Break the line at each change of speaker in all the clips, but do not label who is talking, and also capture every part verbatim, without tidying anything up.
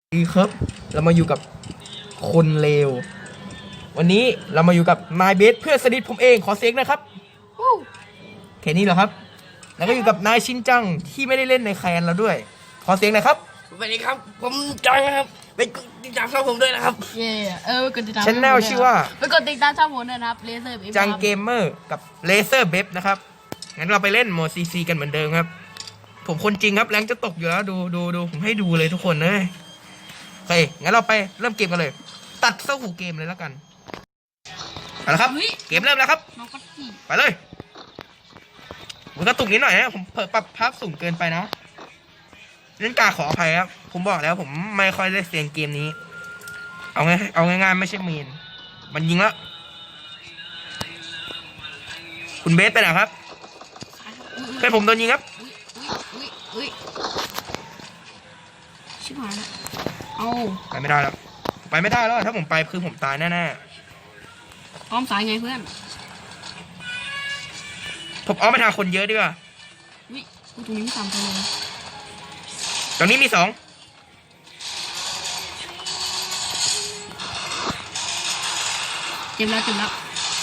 ดีครับเรามาอยู่กับคนเลววันนี้เรามาอยู่กับนายเบสเพื่อนสนิทผมเองขอเสียงนะครับแค่นี้เหรอครับแล้วก็อยู่กับนายชินจังที่ไม่ได้เล่นในแคนเราด้วยขอเสียงหน่อยครับ
สวัสดีครับผมจังนะครับไปกดติดตามช่องผมด้วยนะครับ
เย่เออไปกดติดตาม
ชแนลชื่อว่า
ไปกดติดตามช่องผมด้วยนะครับเลเซอร์
จังเกมเมอร์กับเลเซอร์เบฟนะครับงั้นเราไปเล่นโหมดซีซีกันเหมือนเดิมครับผมคนจริงครับแรงจะตกอยู่แล้วดูดูดูผมให้ดูเลยทุกคนเลยโอเคงั้นเราไปเริ่มเกมกันเลยตัดเข้าหูเกมเลยแล้วกันเอาละครับเกมเริ่มแล้วครับ
น้องก็จี
ไปเลยมันกระตุกนิดหน่อยนะผมเผลอปรับภาพสูงเกินไปนะเล่นกาขออภัยครับผมบอกแล้วผมไม่ค่อยได้เสียงเกมนี้เอาไงเอาง่ายๆไม่ใช่เมนมันยิงแล้วคุณเบสไปไหนครับเพื่อนผมโดนยิงครับ
อุ้ยอุ้ยอุ้ยชิบหายแล้วเอา
ไปไม่ได้แล้วไปไม่ได้แล้วถ้าผมไปคือผมตายแน่ๆ
อ้อมสายไงเพื่อน
ผมเอาไปทางคนเยอะดีกว่า
อุ้ยตรงนี้ไม่ต่ำไปเลย
ตรงนี้มีสอง
เจ็บแล้วเจ็บแล้ว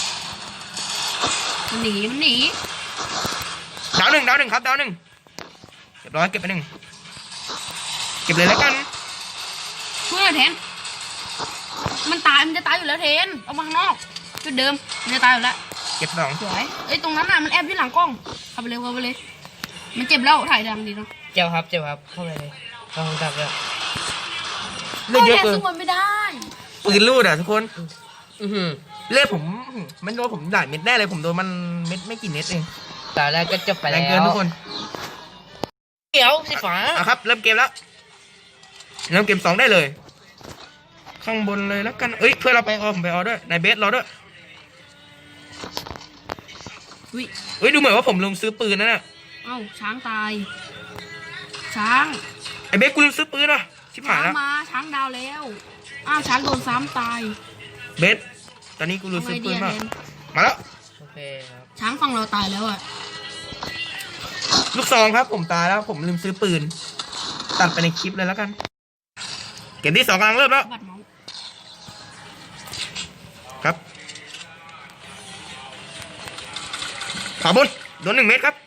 มันหนีมันหนี
ดาวหนึ่งดาวหนึ่งครับดาวหนึ่งเรียบร้อยเก็บไปหนึ่งเก็บเลยแล้วกัน
เพื่อนเทนมันตายมันจะตายอยู่แล้วเทนเอามาข้างนอกจุดเดิมมันจะตายอยู่แล้ว
เก็บสอง
สวยเอ้ยตรงนั้นน่ะมันแอบอยู่หลังกล้องเข้าไปเลยเข้าไปเลยมันเจ็บแล้วถ่ายดังดีเนาะ
เจ้าครับเจ้าครับเข้าไปเลยเข้าห้องจับเลย
เลือดเยอะเกิน
สู้มันไม่ได้
ปืนลูดอ่ะทุกคน
อือหือ
เลือดผมมันโดนผมหลายเม็ดแน่เลยผมโดนมันเม็ดไม่กี่เม็ดเอง
ตอนแรกก็จบไป
แร
แล้
ง
ว
เกินทุกคน
เดี๋ยวสีฟ้า
อ่ะครับเริ่มเกมแล้วเริ่มเกมสองได้เลย ข้างบนเลยแล้วกันเอ้ยเพื่อนเราไปออผมไปออด้วยนายเบสรอด้วย
อุ้ย
เอ้ยดูเหมือนว่าผมลืมซื้อปืนนั่นน่ะ
เอ้าช้างตายช้าง
ไอเบสกูลืมซื้อปืนว่ะชิบหา
ช้าย ง
แล้ว
มาช้างดาวแล้วอ้าวช้างโดนซ้ำตาย
เบสตอนนี้กูลืมซื้อปืน
เท
มาน มาแล้ว
โอเคครับ
ช้างฝั่งเราตายแล้วอ่ะ
ลูกซองครับผมตายแล้วผมลืมซื้อปืนตัดไปในคลิปเลยแล้วกันเกมที่สองกำลังเริ่มแล้ว
บัดเมาส์
ครับขวาบนโดนหนึ่งเมตรครับ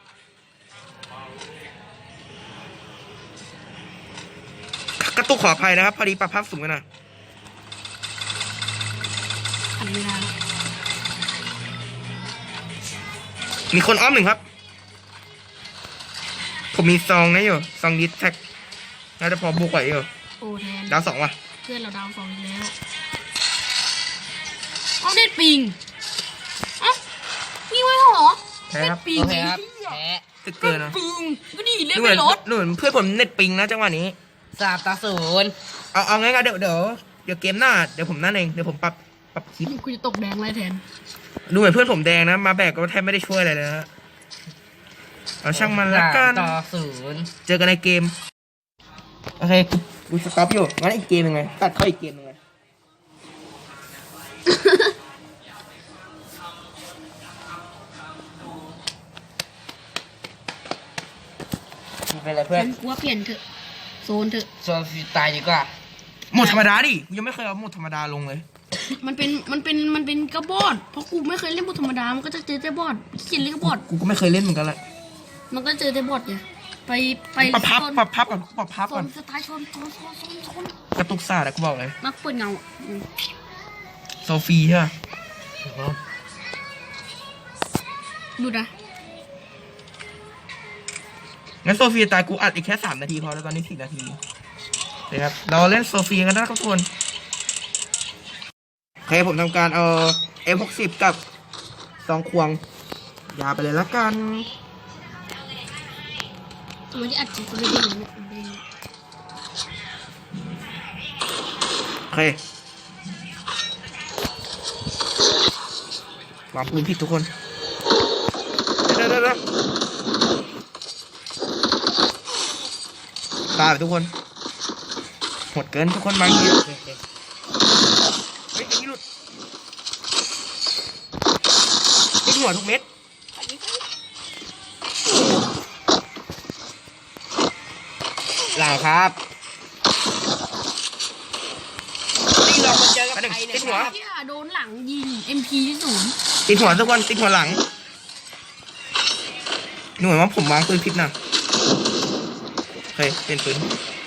กระตุกขออภัยนะครับพอดีปรับภาพสูงกันนะ
อันนี้นะ
มีคนอ้อมหนึ่งครับผมมีซองนะอยู่ซองดิสแท็กน่าจะพอบุกไหวอยู่
โอ้แทน
ดาวสองว่ะ
เพื่อนเราดาวสองอีกแล้วเอาเด็ดปิงเอ้ามีไว้เหรอ
แพ้ครับ
ปิง
โอเคครับแพ้
ตึกเกินนะ
ปิงก็ดีเล่น
นู่
ไป
น
รถ
นู่นเพื่อนผมเน็ตปิงนะจังหวะนี้
สามต่อศูนย์
เอาเอางั้นๆเดี๋ยวเดี๋ยวเดี๋ยวเกมหน้าเดี๋ยวผมนั่นเองเดี๋ยวผมปรับปรับคลิป
กูจะตกแดงเลยแทน
ดูเหมือนเพื่อนผมแดงนะมาแบกก็แทบไม่ได้ช่วยอะไรเลยนะเอาช่างมันละกัน
สามต่อศูนย์
เจอกันในเกมโอเคกูกูสต็อปอยู่งั้นอีกเกมยังไงตัดเข้าอีกเกมยังไง
เป็นไรเพื่อน
ฉันกลัวเปลี่ยนเถอะโซนเถอะ
โซนฟรีตายดีกว่า
หมดธรรมดาดิกูยังไม่เคยเอาหมดธรรมดาลงเลย
มันเป็นมันเป็นมันเป็นกระบอดเพราะกูไม่เคยเล่นบทธรรมดามันก็จะเจอแต่บอดเขียนเล่นกระบอด
กูก็ไม่เคยเล่นเหมือนกันแหละ
มันก็เจอแต่บอดไงไปไป
ปรับพับ
โซน
ปรับพับก่อนปรับพับ
โซ
ก่อน
นสไตล์ชนชนชนชนชน
กระตุกซ่าแต่กูบอกเลย
มักเปิดเงาอ่ะอืม
โซฟีใช่ปะ
ดูนะ
งั้นโซฟีตายกูอัดอีกแค่สามนาทีพอแล้วตอนนี้สี่นาทีโอเคครับเราเล่นโซฟีกันนะครับทุกคนโอเคผมทำการเอา เอ็ม หกสิบ กับซองควงยาไปเลยละกัน
มันจะอัดจิตกูไม่ได้เลยเนี่ยมันเป็น
โอเควางปืนผิดทุกคนเดี๋ยวเดี๋ยวเดี๋ยวตายไปทุกคนหดเกินทุกคนบางทีเฮ้ยไอ้นี่หลุดติดหัวทุกเม็ดหลังครับ
มาเจอกับ
อันหนึ่ง
ใครเนี่
ติ
ย
ดหัว
เฮียโดนหลังยิง เอ็ม พี ที่ศูนย์
ติดหัวทุกคนติดหัวหลังหน่วยว่าผมวางปืนพิษนะโอเคเป็นปืน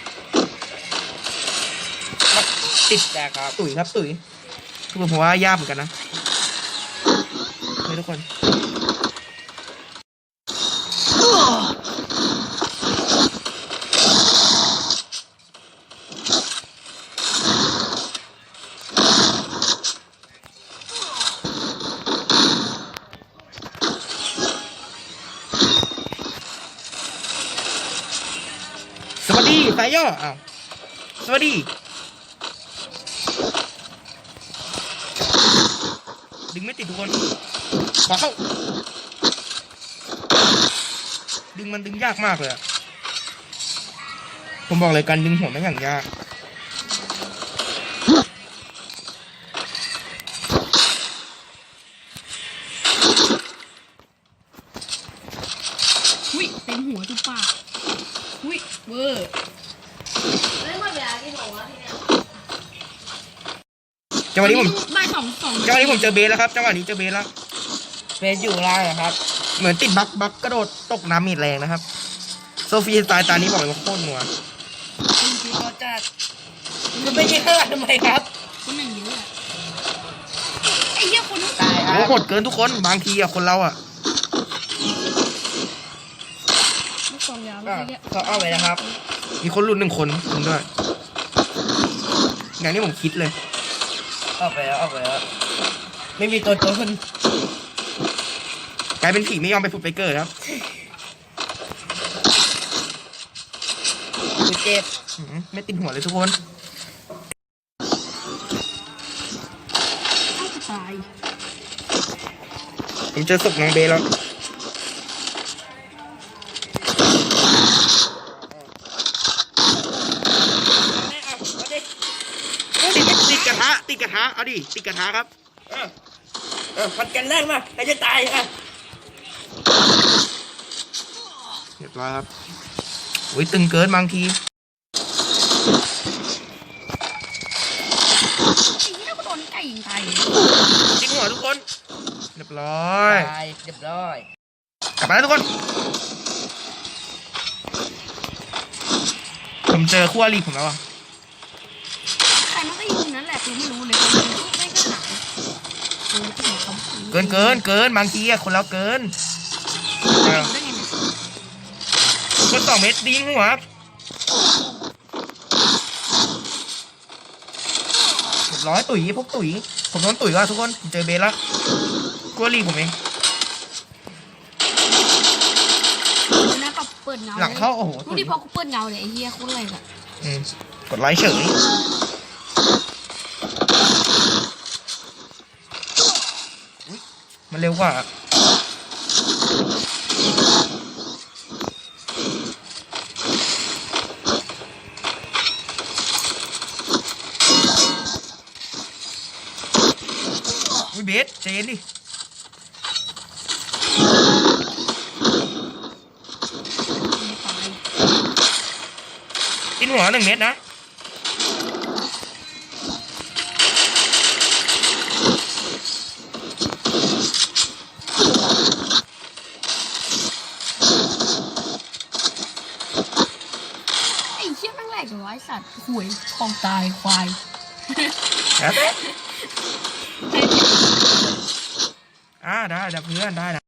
ติดแต่ครับ
ตุ๋ยครับตุ๋ยทุกคนผมว่ายากเหมือนกันนะเฮ้ยทุกคนสวัสดีสายย่ออ้าวสวัสดีดึงไม่ติดทุกคนขวาเข้าดึงมันดึงยากมากเลยอะผมบอกเลยการดึงหัวไม่งอย่างยาก
หุ้ยเต็มหัวทุกปากหุ้ยเวอร์
จังหวะนี้ผม
ได้สองสอง
จังหวะนี้ผมเจอเบสแล้วครับจังหวะนี้เจอเบสแล้ว
เป็นอยู่ล่างนะครับ
เหมือนติดบักบักกระโดดตกน้ำมีดแรงนะครับโซฟีสไตล์ตานี้บอกเลยว่าโคตรนัว
จริงๆเขาจะมันไม่ใช่ข้างหลังทำไมครับ
คนหนึ่งเยอะอะไอ้เหี้ยคนนู้น
ตายครั
โอ้
บ
โหดเกินทุกคนบางทีอะคนเราอะ
ลูกซองยาว
อ่ะ
ไอ้เหี้ย
ก็เอาไปนะครับ
มีคนรุ่นหนึ่งคนคุณด้วยอย่างนี้ผมคิดเลย
เอาไปแล้วเอาไปแล้วไม่มีตัวตัวคน
กลายเป็นผีไม่ยอมไปผุดไปเกิดครับ
คือเจ็บ
อื้อหือไม่ติดหัวเลยทุกคน
เอ้าตาย
ผมเจอศพน้องเบสแล้วติดติดกระทะติดกระทะเอาดิติดกระทะครับ
เออเออพัดกันแรกมาใครจะตายอ่ะ
เรียบร้อยครับอุ้ยตึงเกินบางที
ไอ้เหี้ยก็โดนไก่ยิงตาย
ติดหัวทุกคนเรียบร้อย
ตายเรียบร้อย
กลับมาแล้วทุกคน ผมเจอคู่อริผมแล้วอ่ะ
ใครมันก็ยิงนั่นแหละกูไม่รู้เลยไม่ก็หนักเออที่ไหนเขา
เกินเกินเกินบางทีอะคนเราเกินเออ
ได้ไงเนี่ย
คนสองเม็ดดิ้งหัวเรียบร้อยตุ๋ยพวกตุ๋ยผมโดนตุ๋ยว่ะทุกคนผมเจอเบสแล้วคู่อริผมเอง
เดี๋ยวนะปรับเปิดเงา
หลังเข้าโอ้โห
ดูดิพอกูเปิดเงาเลยไอ้เหี้ยโคตรแรงอะ
อืมกดไลค์เฉยอุ๊ยมันเร็วกว่าอุ้ยเบสเจนดิ
ตาย
กินหัวหนึ่งเม็ดนะ
ไอ้เหี้ยแม่งแหลกเหรอวะไอ้สัตว์ห่วยคลองตายควาย
แล้วแต่อ่าได้ได้เพื่อนได้นะ